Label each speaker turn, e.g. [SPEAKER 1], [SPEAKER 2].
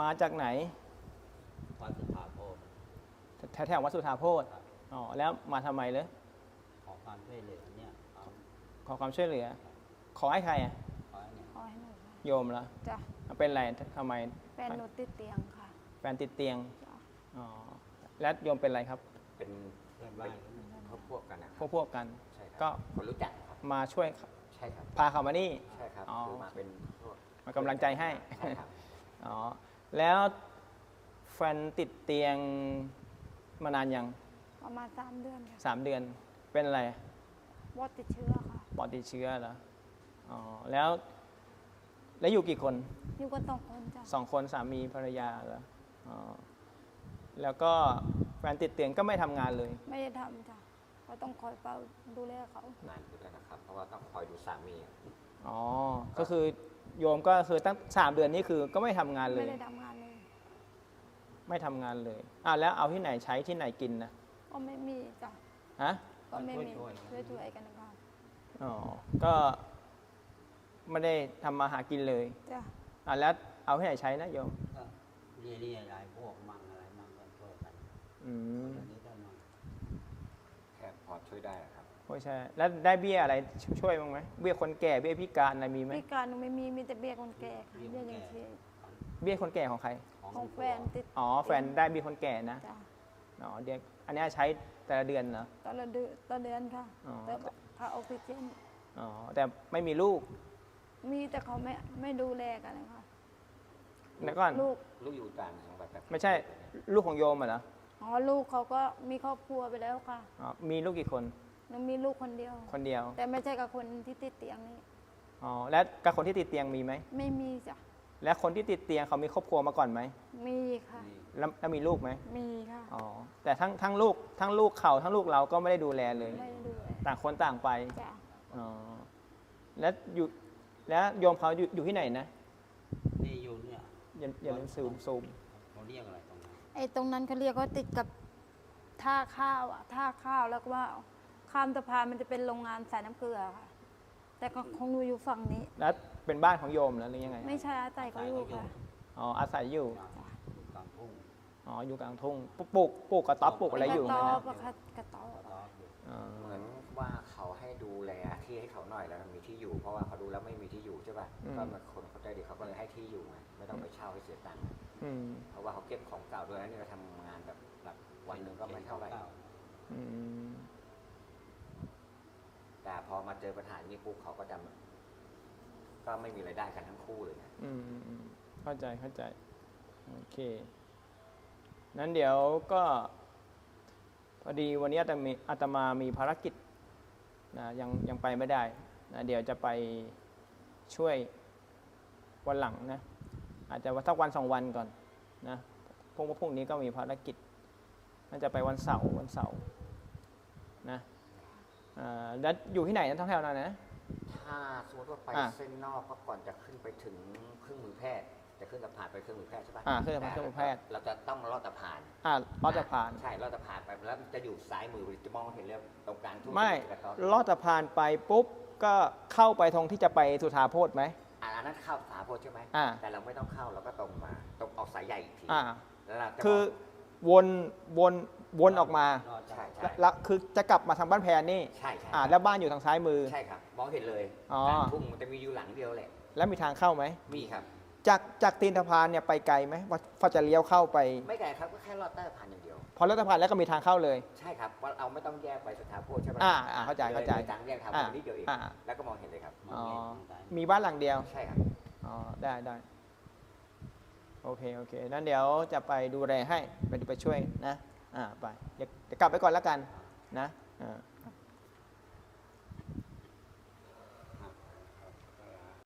[SPEAKER 1] มาจากไหน
[SPEAKER 2] วัดสุธาโพธิ์
[SPEAKER 1] แถววัดสุธาโพธิ์อ๋อแล้วมาทำไมเลย
[SPEAKER 2] ขอความช่วยเหลือเนี่ยเอา
[SPEAKER 1] ขอความช่วยเหลือ ขอให้ใครอะ
[SPEAKER 2] ขอให้เนี่ย
[SPEAKER 3] ขอให้หนูค่ะ
[SPEAKER 1] โยมเหรอ
[SPEAKER 3] จ้ะ
[SPEAKER 1] เป็นไรทำไม
[SPEAKER 3] แฟนหนูติดเตียงค่ะ
[SPEAKER 1] แฟนติดเตียง
[SPEAKER 3] จ้ะ
[SPEAKER 1] อ๋อแล้วโยมเป็นอะไรครับ
[SPEAKER 4] เป็น
[SPEAKER 2] เพื่อนบ้าน
[SPEAKER 4] พวกกันนะ
[SPEAKER 1] พวกกัน
[SPEAKER 4] ใช่ครับ
[SPEAKER 1] ก็
[SPEAKER 4] คนรู้จักครับ
[SPEAKER 1] มาช่วย
[SPEAKER 4] ใช่ครับ
[SPEAKER 1] พาเขามานี่
[SPEAKER 4] ใช่ครับ
[SPEAKER 1] อ๋อ
[SPEAKER 4] คือมาเป็นพวก
[SPEAKER 1] มากำลังใจให้
[SPEAKER 4] ใช่ครับ
[SPEAKER 1] อ๋อแล้วแฟนติดเตียงมานานยัง
[SPEAKER 3] ประมาณ3 เดือนค่ะ
[SPEAKER 1] 3 เดือนเป็นอะไร
[SPEAKER 3] วอดติดเชื้อค่ะ
[SPEAKER 1] ปอดติดเชื้อเหรออ๋อแล้วอยู่กี่คน
[SPEAKER 3] อยู่กัน2 คนจ้ะ
[SPEAKER 1] 2 คนสามีภรรยาเหรออ๋อแล้วก็แฟนติดเตียงก็ไม่ทำงานเลย
[SPEAKER 3] ไม่ได้ทำจ้ะก็ต้องคอยเฝ้าดูแลเขา
[SPEAKER 4] นานอยู่แล้วนะครับ เพราะว่าต้องคอยดูสามี
[SPEAKER 1] อ๋อก็คือโยมก็คือตั้ง3 เดือนนี้คือก็ไม่ทำงานเล
[SPEAKER 3] ไม่
[SPEAKER 1] ย
[SPEAKER 3] ได้ทำงานเลย
[SPEAKER 1] ไม่ทำงานเลยแล้วเอาที่ไหนใช้ที่ไหนกินนะ
[SPEAKER 3] ก็ไม่มีจ้ะ
[SPEAKER 1] ฮะ
[SPEAKER 3] ก็ไม่มีช่วยๆกันนะคะ
[SPEAKER 1] อ๋อก็ไม่ได้ทำมาหากินเลย
[SPEAKER 3] จ้ะ
[SPEAKER 1] แล้วเอาที่ไหนใช้นะโยม
[SPEAKER 2] ก็เรียรายพวกมั่งอะไรมั่งก็ช่วยกัน
[SPEAKER 1] อืม
[SPEAKER 2] คนนี้ได้มั่ง
[SPEAKER 4] แค่พอช่วยได้ครับ
[SPEAKER 1] โอ้ใช่แล้วได้เบี้ยอะไรช่วยบ้างไหมเบี้ยคนแก่เบี้ยพิการอะไรมีไหม
[SPEAKER 3] พิการหนูไม่มีมีแต่เบี้ยคนแก่ค่ะเบี้ยยังชีพ
[SPEAKER 1] เบี้ยคนแก่ของใคร
[SPEAKER 3] ของแฟนติด
[SPEAKER 1] อ๋อแฟนได้เบี้ยคนแก่นะ
[SPEAKER 3] จ้ะ
[SPEAKER 1] อ๋อเดี๋ยวอันนี้ใช้แต่ละเดือนเหรอ
[SPEAKER 3] ต่อเดือนค่ะ
[SPEAKER 1] อ๋อ
[SPEAKER 3] แต่ค่าออกซิเจน
[SPEAKER 1] อ๋อแต่ไม่มีลูก
[SPEAKER 3] มีแต่เขาไม่ดูแลกันเลยค่ะ
[SPEAKER 1] แล้วก่อน
[SPEAKER 3] ลูก
[SPEAKER 4] ลูกอยู่ต่างจังหวัดแบบ
[SPEAKER 1] ไม่ใช่ลูกของโยมเหรอ
[SPEAKER 3] อ๋อลูกเขาก็มีครอบครัวไปแล้วค่ะ
[SPEAKER 1] อ๋อมีลูกกี่คน
[SPEAKER 3] หนูมีลูกคนเดียว
[SPEAKER 1] คนเดียว
[SPEAKER 3] แต่ไม่ใช่กับคนที่ติดเตียงนี่
[SPEAKER 1] อ๋อแล้วกับคนที่ติดเตียงมีไหม
[SPEAKER 3] ไม่มีจ้ะ
[SPEAKER 1] และคนที่ติดเตียงเขามีครอบครัวมาก่อนไหม
[SPEAKER 3] มีค่ะ
[SPEAKER 1] แล้วมีลูกไหม
[SPEAKER 3] มีค่ะ
[SPEAKER 1] อ๋อแต่ทั้งลูกเขาทั้งลูกเราก็ไม่ได้ดูแลเลย
[SPEAKER 3] ไม่ได้ดูแล
[SPEAKER 1] ต่างคนต่างไป
[SPEAKER 3] จ้ะ
[SPEAKER 1] อ๋อแล้วโยมเขาอยู่ที่ไหนนะ
[SPEAKER 2] นี่อยู่เนี่ย
[SPEAKER 1] อย่าลืมซูม
[SPEAKER 2] เขาเรียกอะไรตรงนั้น
[SPEAKER 3] ไอ้ตรงนั้นเขาเรียกว่าติดกับท่าข้าวอ่ะท่าข้าวแล้วก็ว่าข้ามสะพานมันจะเป็นโรงงานสายน้ำเกลือค่ะ แต่ของหนูอยู่ฝั่งนี้
[SPEAKER 1] แล้วเป็นบ้านของโยมแล้วหรือยังไง
[SPEAKER 3] ไม่ใช่อาศัยเขาอยู่ค่ะ
[SPEAKER 1] อ๋ออาศัยอยู่
[SPEAKER 2] กลางทุ่ง
[SPEAKER 1] อ๋ออยู่กลางทุ่งปลูกกระต๊อบปลูกอะไรอยู่
[SPEAKER 3] ก
[SPEAKER 1] ไหม
[SPEAKER 3] ระต๊อ
[SPEAKER 1] นะ
[SPEAKER 3] บอะค่ะกระต๊อบ
[SPEAKER 2] ก็อยู่
[SPEAKER 1] อ๋อ
[SPEAKER 4] เหมือนว่าเขาให้ดูแลที่ให้เขาหน่อยแล้วมีที่อยู่ เพราะว่าเขาดูแล้วไม่มีที่อยู่ใช่ป่ะก็มาคนเขาใจดีเขาก็เลยให้ที่อยู่ไงไม่ต้องไปเช่าให้เสียตังค์
[SPEAKER 1] อืม
[SPEAKER 4] เพราะว่าเขาเก็บของเก่าด้วยนะนี่เราทำงานแบบวันหนึ่งก็ไม่เท่าไหร่
[SPEAKER 1] อืม
[SPEAKER 4] แต่พอมาเจอปัญหานี้ปุ๊บเขาก็จะก็ไม่มีรายได้กันทั้งคู่เลยนะ
[SPEAKER 1] เข้าใจโอเคนั้นเดี๋ยวก็พอดีวันนี้อาตมามีภารกิจนะยังไปไม่ได้นะเดี๋ยวจะไปช่วยวันหลังนะอาจจะสักวัน2 วันก่อนนะพรุ่งนี้ก็มีภารกิจน่าจะไปวันเสาร์นะแล้วอยู่ที่ไหนนะทั้งแถวนั้นนะ
[SPEAKER 4] ถ้าสมมติว่าไปเส้นนอกก็ก่อนจะขึ้นไปถึงเครื่องมือแพทย์จะขึ้นสะพานไปเครื่องมือแพทย์ใช่ปะ
[SPEAKER 1] ขึ้นสะพานเครื่องมือแพทย์
[SPEAKER 4] เราจะต้องลอดสะพาน
[SPEAKER 1] ลอดสะพาน
[SPEAKER 4] ใช่ลอดสะพานไปแล้วจะอยู่ซ้ายมือจะมองเห็นเลยตรงกลางทุ่ง
[SPEAKER 1] ไม่
[SPEAKER 4] กระต๊อบ
[SPEAKER 1] ลอดสะพานไปปุ๊บก็เข้าไปตรงที่จะไปสุธาโพธิ์ไหม
[SPEAKER 4] อันนั้นเข้าสาโพธิ์ใช่ไหม
[SPEAKER 1] อ่า
[SPEAKER 4] แต่เราไม่ต้องเข้าเราก็ตรงมาตรงออกสายใหญ่อีกที
[SPEAKER 1] อ่า
[SPEAKER 4] แล้วเราจะ
[SPEAKER 1] คือ
[SPEAKER 4] ม
[SPEAKER 1] วนออกมา
[SPEAKER 2] รอด
[SPEAKER 4] ใช่
[SPEAKER 2] ได้
[SPEAKER 4] ใช่
[SPEAKER 1] แล้วคือจะกลับมาทางบ้านแพรนี่
[SPEAKER 4] ใช่ใช่
[SPEAKER 1] แล้วบ้านอยู่ทางซ้ายมือ
[SPEAKER 4] ใช่ครับมองเห็นเลย
[SPEAKER 1] อ๋อ
[SPEAKER 4] กลางทุ่งมันจะมีอยู่หลังเดียวแหละ
[SPEAKER 1] แล้วมีทางเข้าไหม
[SPEAKER 4] มีครับ
[SPEAKER 1] จากตีนสะพานเนี่ยไปไกลไหมว่าจะเลี้ยวเข้าไป
[SPEAKER 4] ไม่ไกลครับก็แค่ลอดใต้สะพานอย่างเดียว
[SPEAKER 1] พอลอดสะพานแล้วก็มีทางเข้าเลย
[SPEAKER 4] ใช่ครับว่าเราไม่ต้องแยกไปสถาโพธิ์ใช่ไหม
[SPEAKER 1] เข้าใจ
[SPEAKER 4] เลยทางแยกทางนิดเดียวเองแล้วก็มองเห็นเลยครับ
[SPEAKER 2] มองเห็นมองได้
[SPEAKER 1] มีบ้านหลังเดียว
[SPEAKER 4] ใช่ครับ
[SPEAKER 1] อ๋อได้โอเคนั้นเดี๋ยวจะไปดูแลให้ไปช่วยนะไปเดี๋ยวกลับไปก่อนแล้วกันนะ